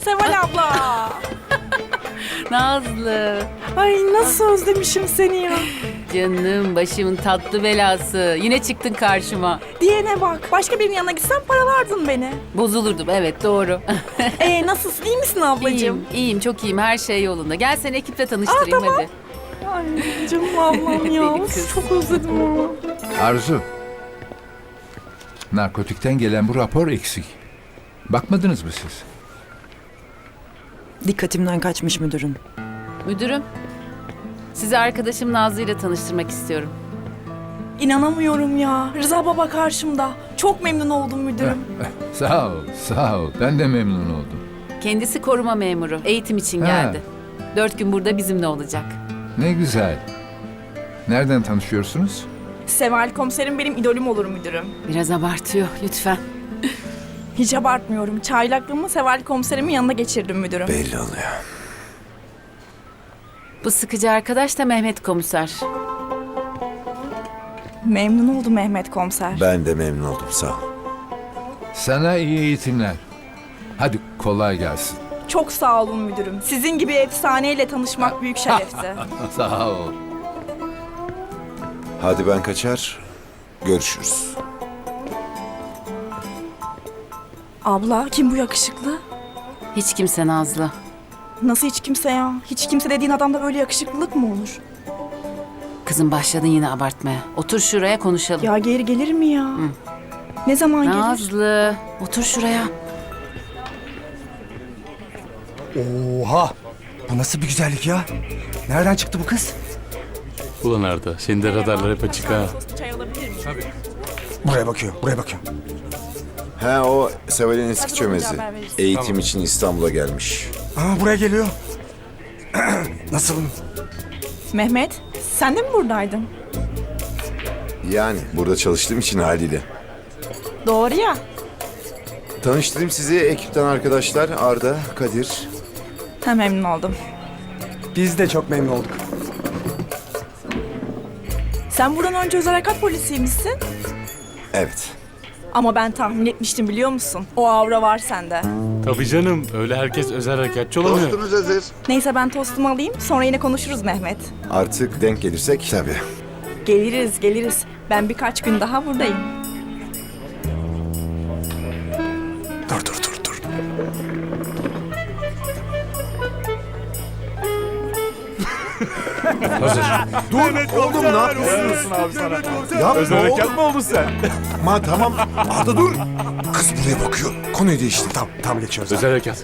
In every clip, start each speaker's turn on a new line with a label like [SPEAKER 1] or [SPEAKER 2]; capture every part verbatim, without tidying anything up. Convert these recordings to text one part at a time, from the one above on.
[SPEAKER 1] Seval abla.
[SPEAKER 2] Nazlı.
[SPEAKER 1] Ay nasıl özlemişim seni ya.
[SPEAKER 2] Canım, başımın tatlı belası. Yine çıktın karşıma.
[SPEAKER 1] Diyene bak. Başka birinin yanına gitsem paralardın beni.
[SPEAKER 2] Bozulurdum, evet doğru.
[SPEAKER 1] Ee nasılsın? İyi misin ablacığım?
[SPEAKER 2] iyiyim, iyiyim, çok iyiyim. Her şey yolunda. Gel seni ekiple tanıştırayım
[SPEAKER 1] Aa, tamam.
[SPEAKER 2] hadi.
[SPEAKER 1] Ay canım ablam ya.
[SPEAKER 2] Deli
[SPEAKER 1] Of,
[SPEAKER 2] kız.
[SPEAKER 1] çok özledim onu.
[SPEAKER 3] Arzu. Narkotikten gelen bu rapor eksik. Bakmadınız mı siz?
[SPEAKER 4] Dikkatimden kaçmış müdürüm.
[SPEAKER 2] Müdürüm, sizi arkadaşım Nazlı ile tanıştırmak istiyorum.
[SPEAKER 1] İnanamıyorum ya. Rıza baba karşımda. Çok memnun oldum müdürüm.
[SPEAKER 3] Sağ ol, sağ ol. Ben de memnun oldum.
[SPEAKER 2] Kendisi koruma memuru. Eğitim için
[SPEAKER 3] Ha.
[SPEAKER 2] geldi. Dört gün burada bizimle olacak.
[SPEAKER 3] Ne güzel. Nereden tanışıyorsunuz?
[SPEAKER 1] Seval komiserim benim idolüm olur müdürüm.
[SPEAKER 2] Biraz abartıyor, lütfen.
[SPEAKER 1] Hiç abartmıyorum. Çaylaklığımı Seval komiserimin yanına geçirdim müdürüm.
[SPEAKER 5] Belli oluyor.
[SPEAKER 2] Bu sıkıcı arkadaş da Mehmet komiser.
[SPEAKER 1] Memnun oldum Mehmet komiser.
[SPEAKER 5] Ben de memnun oldum, sağ ol.
[SPEAKER 3] Sana iyi eğitimler. Hadi kolay gelsin.
[SPEAKER 1] Çok sağ olun müdürüm. Sizin gibi efsaneyle tanışmak büyük şerefti.
[SPEAKER 3] Sağ ol.
[SPEAKER 5] Hadi ben kaçar, görüşürüz.
[SPEAKER 1] Abla kim bu yakışıklı?
[SPEAKER 2] Hiç kimse Nazlı.
[SPEAKER 1] Nasıl hiç kimse ya? Hiç kimse dediğin adamda böyle yakışıklılık mı olur?
[SPEAKER 2] Kızım başladın yine abartmaya. Otur şuraya konuşalım.
[SPEAKER 1] Ya geri gelir mi ya? Ne zaman gelir?
[SPEAKER 2] Nazlı, otur şuraya.
[SPEAKER 6] Oha! Bu nasıl bir güzellik ya? Nereden çıktı bu kız?
[SPEAKER 7] Ulan Arda, senin de radarlar hep açık ha.
[SPEAKER 1] Çay alabilir miyim?
[SPEAKER 6] Buraya bakıyor, buraya bakıyor.
[SPEAKER 5] He o Seval'in eski
[SPEAKER 1] Hadi
[SPEAKER 5] çömezi.
[SPEAKER 1] olunca haber verirsin.
[SPEAKER 5] Eğitim için İstanbul'a gelmiş.
[SPEAKER 6] Aa, buraya geliyor. Nasılım?
[SPEAKER 1] Mehmet, sen de mi buradaydın?
[SPEAKER 5] Yani burada çalıştığım için haliyle.
[SPEAKER 1] Doğru ya.
[SPEAKER 5] Tanıştırayım sizi ekipten arkadaşlar. Arda, Kadir.
[SPEAKER 1] Ha, memnun oldum.
[SPEAKER 6] Biz de çok memnun olduk.
[SPEAKER 1] Sen buradan önce özel harekat polisiymişsin.
[SPEAKER 5] Evet.
[SPEAKER 1] Ama ben tahmin etmiştim biliyor musun? O aura var sende.
[SPEAKER 7] Tabii canım, öyle herkes özel harekatçı olamıyor.
[SPEAKER 5] hazır.
[SPEAKER 1] Neyse ben tostumu alayım, sonra yine konuşuruz Mehmet.
[SPEAKER 5] Artık denk gelirsek tabii.
[SPEAKER 1] Geliriz, geliriz. Ben birkaç gün daha buradayım.
[SPEAKER 6] Dur, dur, dur, dur.
[SPEAKER 5] Dur oğlum, ne yapıyorsun abi sana? Ya
[SPEAKER 7] Özel harekat mı oldun sen?
[SPEAKER 5] Ma tamam. Arda dur. Kız buraya bakıyor. Konuyu değiştir.
[SPEAKER 6] Tam, tam geçiyoruz.
[SPEAKER 7] Özel harekat.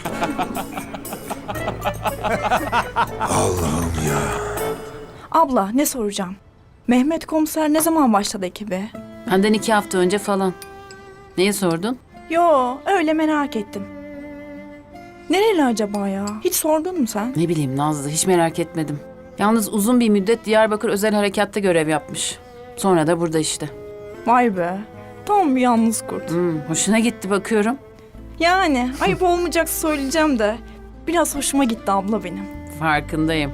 [SPEAKER 5] Allah'ım ya.
[SPEAKER 1] Abla ne soracağım? Mehmet komiser ne zaman başladı ekibe?
[SPEAKER 2] Benden iki hafta önce falan. Neye sordun?
[SPEAKER 1] Yo, öyle merak ettim. Nereli acaba ya? Hiç sordun mu sen?
[SPEAKER 2] Ne bileyim Nazlı, hiç merak etmedim. Yalnız uzun bir müddet Diyarbakır Özel Harekat'ta görev yapmış. Sonra da burada işte.
[SPEAKER 1] Vay be. Tam bir yalnız kurt.
[SPEAKER 2] Hmm, hoşuna gitti bakıyorum.
[SPEAKER 1] Yani ayıp olmayacaksa söyleyeceğim de. Biraz hoşuma gitti abla benim.
[SPEAKER 2] Farkındayım.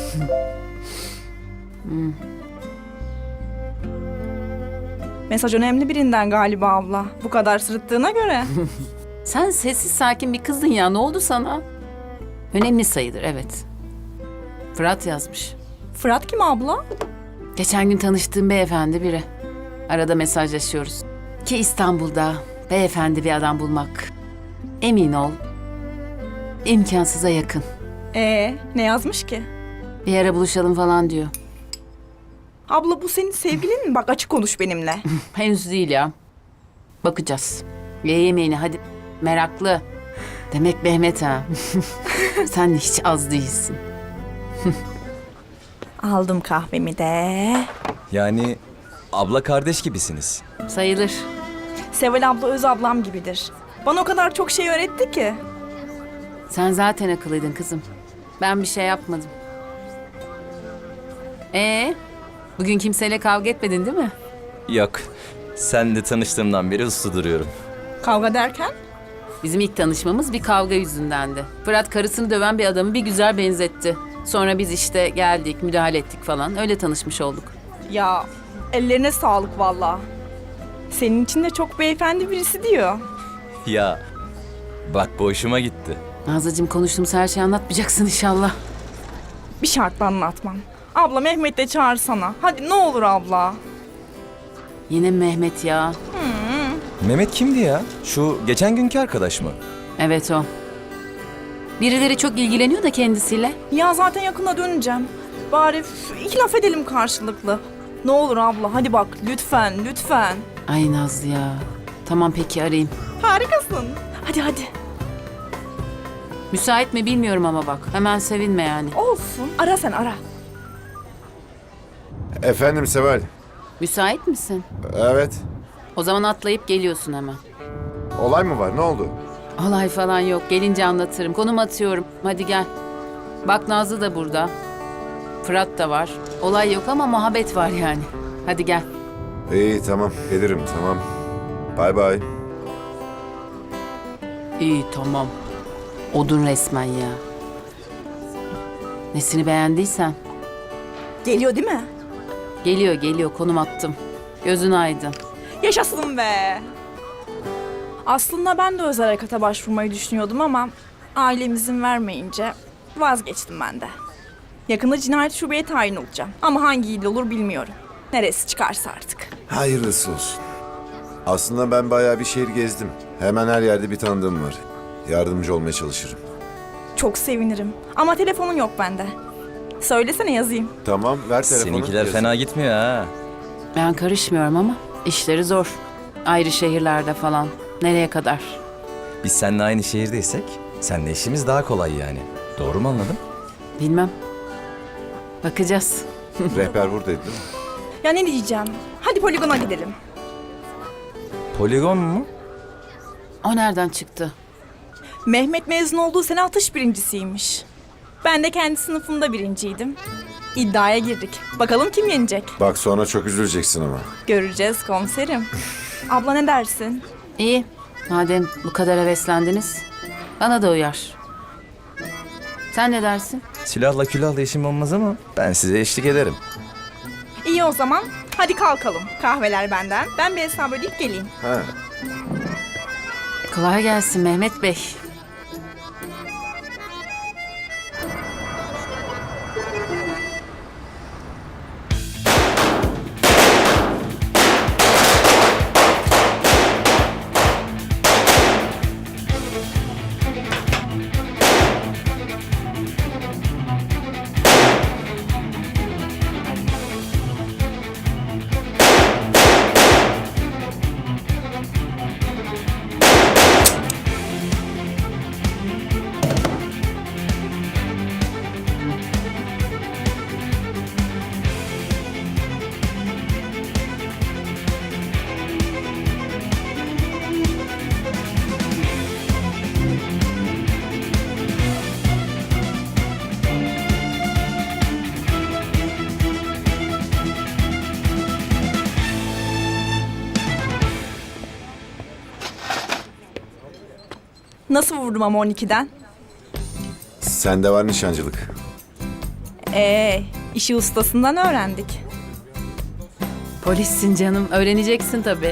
[SPEAKER 1] Mesaj önemli birinden galiba abla. Bu kadar sırıttığına göre.
[SPEAKER 2] Sen sessiz sakin bir kızdın ya, ne oldu sana? Önemli sayılır, evet. Fırat yazmış.
[SPEAKER 1] Fırat kim abla?
[SPEAKER 2] Geçen gün tanıştığım beyefendi biri. Arada mesajlaşıyoruz. Ki İstanbul'da beyefendi bir adam bulmak, emin ol, imkansıza yakın.
[SPEAKER 1] Ee, ne yazmış ki?
[SPEAKER 2] Bir ara buluşalım falan diyor.
[SPEAKER 1] Abla bu senin sevgilin mi? Bak açık konuş benimle.
[SPEAKER 2] Henüz değil ya. Bakacağız. Ye yemeğini hadi. Meraklı. Demek Mehmet ha. Sen de hiç az değilsin.
[SPEAKER 1] Aldım kahvemi de.
[SPEAKER 8] Yani abla kardeş gibisiniz.
[SPEAKER 2] Sayılır.
[SPEAKER 1] Seval abla öz ablam gibidir. Bana o kadar çok şey öğretti ki.
[SPEAKER 2] Sen zaten akıllıydın kızım. Ben bir şey yapmadım. Ee, bugün kimseyle kavga etmedin değil mi?
[SPEAKER 8] Yok. Sen de tanıştığımdan beri uslu duruyorum.
[SPEAKER 1] Kavga derken?
[SPEAKER 2] Bizim ilk tanışmamız bir kavga yüzündendi. Fırat karısını döven bir adamı bir güzel benzetti. Sonra biz işte geldik, müdahale ettik falan. Öyle tanışmış olduk.
[SPEAKER 1] Ya ellerine sağlık valla. Senin için de çok beyefendi birisi diyor.
[SPEAKER 8] Ya bak bu hoşuma gitti.
[SPEAKER 2] Nazlıcığım konuştuğumuz her şeyi anlatmayacaksın inşallah.
[SPEAKER 1] Bir şartla anlatmam. Abla Mehmet de çağırsana. Hadi ne olur abla.
[SPEAKER 2] Yine mi Mehmet ya?
[SPEAKER 8] Mehmet kimdi ya? Şu geçen günkü arkadaş mı?
[SPEAKER 2] Evet o. Birileri çok ilgileniyor da kendisiyle.
[SPEAKER 1] Ya zaten yakında döneceğim. Bari üf, iki laf edelim karşılıklı. Ne olur abla hadi bak lütfen lütfen.
[SPEAKER 2] Ay Nazlı ya. Tamam peki arayayım.
[SPEAKER 1] Harikasın. Hadi hadi.
[SPEAKER 2] Müsait mi bilmiyorum ama bak. Hemen sevinme yani.
[SPEAKER 1] Olsun. Ara sen ara.
[SPEAKER 4] Efendim Seval.
[SPEAKER 2] Müsait misin?
[SPEAKER 4] Evet.
[SPEAKER 2] O zaman atlayıp geliyorsun hemen.
[SPEAKER 4] Olay mı var? Ne oldu?
[SPEAKER 2] Olay falan yok. Gelince anlatırım. Konum atıyorum. Hadi gel. Bak Nazlı da burada. Fırat da var. Olay yok ama muhabbet var yani. Hadi gel.
[SPEAKER 4] İyi tamam. Gelirim tamam. Bay bay.
[SPEAKER 2] İyi tamam. Odun resmen ya. Nesini beğendiysen.
[SPEAKER 1] Geliyor değil mi?
[SPEAKER 2] Geliyor geliyor konum attım. Gözün aydın.
[SPEAKER 1] Yaşasın be. Aslında ben de özel harekata başvurmayı düşünüyordum ama ailem izin vermeyince vazgeçtim ben de. Yakında cinayet şubeye tayin olacağım. Ama hangi il olur bilmiyorum. Neresi çıkarsa artık.
[SPEAKER 4] Hayırlısı olsun. Aslında ben bayağı bir şehir gezdim. Hemen her yerde bir tanıdığım var. Yardımcı olmaya çalışırım.
[SPEAKER 1] Çok sevinirim. Ama telefonun yok bende. Söylesene yazayım.
[SPEAKER 4] Tamam ver telefonu.
[SPEAKER 8] Seninkiler
[SPEAKER 4] yazayım.
[SPEAKER 8] fena gitmiyor ha.
[SPEAKER 2] Ben karışmıyorum ama işleri zor. Ayrı şehirlerde falan. Nereye kadar?
[SPEAKER 8] Biz seninle aynı şehirdeysek seninle işimiz daha kolay yani. Doğru mu anladım?
[SPEAKER 2] Bilmem. Bakacağız.
[SPEAKER 4] Rehber buradaydı değil mi?
[SPEAKER 1] Ya ne diyeceğim? Hadi poligona gidelim.
[SPEAKER 8] Poligon mu?
[SPEAKER 2] O nereden çıktı?
[SPEAKER 1] Mehmet mezun olduğu sene atış birincisiymiş. Ben de kendi sınıfımda birinciydim. İddiaya girdik. Bakalım kim yenecek?
[SPEAKER 4] Bak sonra çok üzüleceksin ama.
[SPEAKER 1] Göreceğiz komiserim. Abla ne dersin?
[SPEAKER 2] İyi. Madem bu kadar heveslendiniz. Bana da uyar. Sen ne dersin?
[SPEAKER 8] Silahla külahla işim olmaz ama ben size eşlik ederim.
[SPEAKER 1] İyi o zaman. Hadi kalkalım. Kahveler benden. Ben bir hesap ödeyip geleyim.
[SPEAKER 4] Ha.
[SPEAKER 2] Kolay gelsin Mehmet Bey.
[SPEAKER 1] Nasıl vurdum ama on ikiden?
[SPEAKER 4] Sende var nişancılık.
[SPEAKER 1] Ee, işi ustasından öğrendik.
[SPEAKER 2] Polissin canım. Öğreneceksin tabii.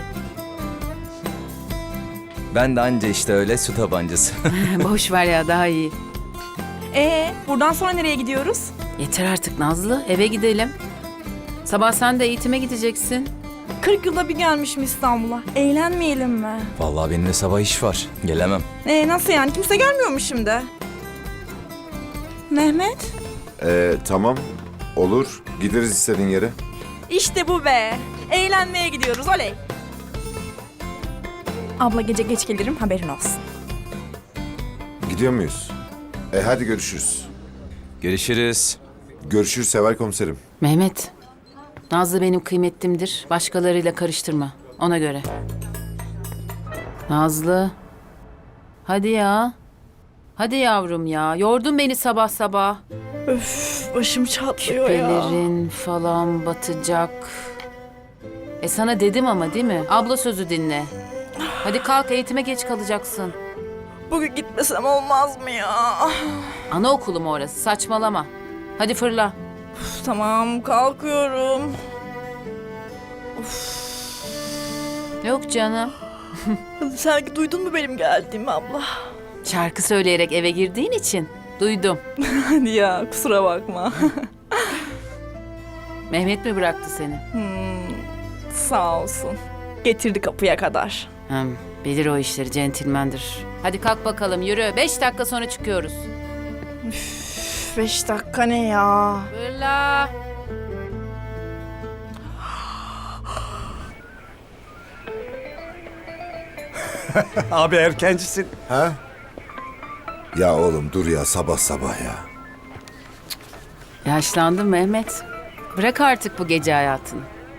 [SPEAKER 8] Ben de anca işte öyle su tabancası.
[SPEAKER 2] Boş ver ya daha iyi.
[SPEAKER 1] Ee, buradan sonra nereye gidiyoruz?
[SPEAKER 2] Yeter artık Nazlı. Eve gidelim. Sabah sen de eğitime gideceksin.
[SPEAKER 1] kırk yılda bir gelmişim İstanbul'a. Eğlenmeyelim mi?
[SPEAKER 8] Vallahi benim de sabah iş var. Gelemem.
[SPEAKER 1] Ee, nasıl yani? Kimse gelmiyor mu şimdi? Mehmet?
[SPEAKER 4] Ee, tamam. Olur. Gideriz istediğin yere.
[SPEAKER 1] İşte bu be. Eğlenmeye gidiyoruz. Oley. Abla gece geç gelirim haberin olsun.
[SPEAKER 4] Gidiyor muyuz? E hadi görüşürüz.
[SPEAKER 8] Görüşürüz.
[SPEAKER 4] Görüşürüz Seval komiserim.
[SPEAKER 2] Mehmet. Nazlı benim kıymetlimdir. Başkalarıyla karıştırma. Ona göre. Nazlı. Hadi ya. Hadi yavrum ya. Yordun beni sabah sabah.
[SPEAKER 1] Öf, başım çatlıyor ya.
[SPEAKER 2] Küpelerin falan batacak. E sana dedim ama değil mi? Abla sözü dinle. Hadi kalk eğitime geç kalacaksın.
[SPEAKER 1] Bugün gitmesem olmaz mı ya?
[SPEAKER 2] Anaokulu mu orası? Saçmalama. Hadi fırla.
[SPEAKER 1] Üf, tamam kalkıyorum.
[SPEAKER 2] Yok canım.
[SPEAKER 1] Sen duydun mu benim geldiğimi abla?
[SPEAKER 2] Şarkı söyleyerek eve girdiğin için duydum.
[SPEAKER 1] Hadi ya, kusura bakma.
[SPEAKER 2] Mehmet mi bıraktı seni?
[SPEAKER 1] Sağ olsun. Getirdi kapıya kadar.
[SPEAKER 2] Hem bilir o işleri, centilmendir. Hadi kalk bakalım, yürü. Beş dakika sonra çıkıyoruz.
[SPEAKER 1] Üf, beş dakika ne ya?
[SPEAKER 2] Fırla.
[SPEAKER 6] Abi erkencisin.
[SPEAKER 4] Ha? Ya oğlum dur ya sabah sabah ya.
[SPEAKER 2] Yaşlandın Mehmet. Bırak artık bu gece hayatını.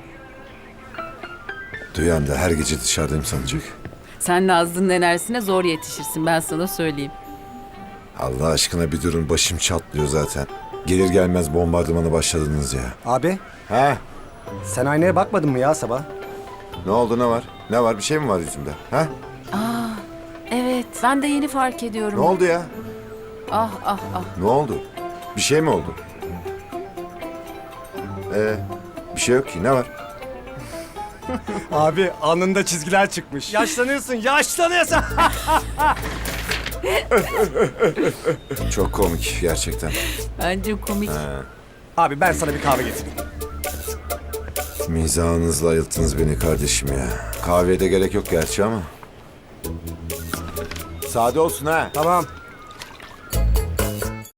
[SPEAKER 4] Duyan da her gece dışarıdayım sanacak.
[SPEAKER 2] Sen Nazlı'nın enerjisine zor yetişirsin, ben sana söyleyeyim.
[SPEAKER 4] Allah aşkına bir durun, başım çatlıyor zaten. Gelir gelmez bombardımana başladınız ya.
[SPEAKER 6] Abi
[SPEAKER 4] Ha?
[SPEAKER 6] sen aynaya bakmadın mı ya sabah?
[SPEAKER 4] Ne oldu, ne var? Ne var, bir şey mi var yüzümde? Ha?
[SPEAKER 2] Evet, ben de yeni fark ediyorum.
[SPEAKER 4] Ne oldu ya?
[SPEAKER 2] Ah ah ah.
[SPEAKER 4] Ne oldu? Bir şey mi oldu? Ee, bir şey yok ki, ne var?
[SPEAKER 6] Abi alnında çizgiler çıkmış. Yaşlanıyorsun, yaşlanıyorsun.
[SPEAKER 4] Çok komik gerçekten.
[SPEAKER 2] Bence komik.
[SPEAKER 6] Abi ben sana bir kahve getireyim.
[SPEAKER 4] Mizahınızla ayılttınız beni kardeşim ya. Kahveye de gerek yok gerçi ama. Sade olsun ha.
[SPEAKER 6] Tamam.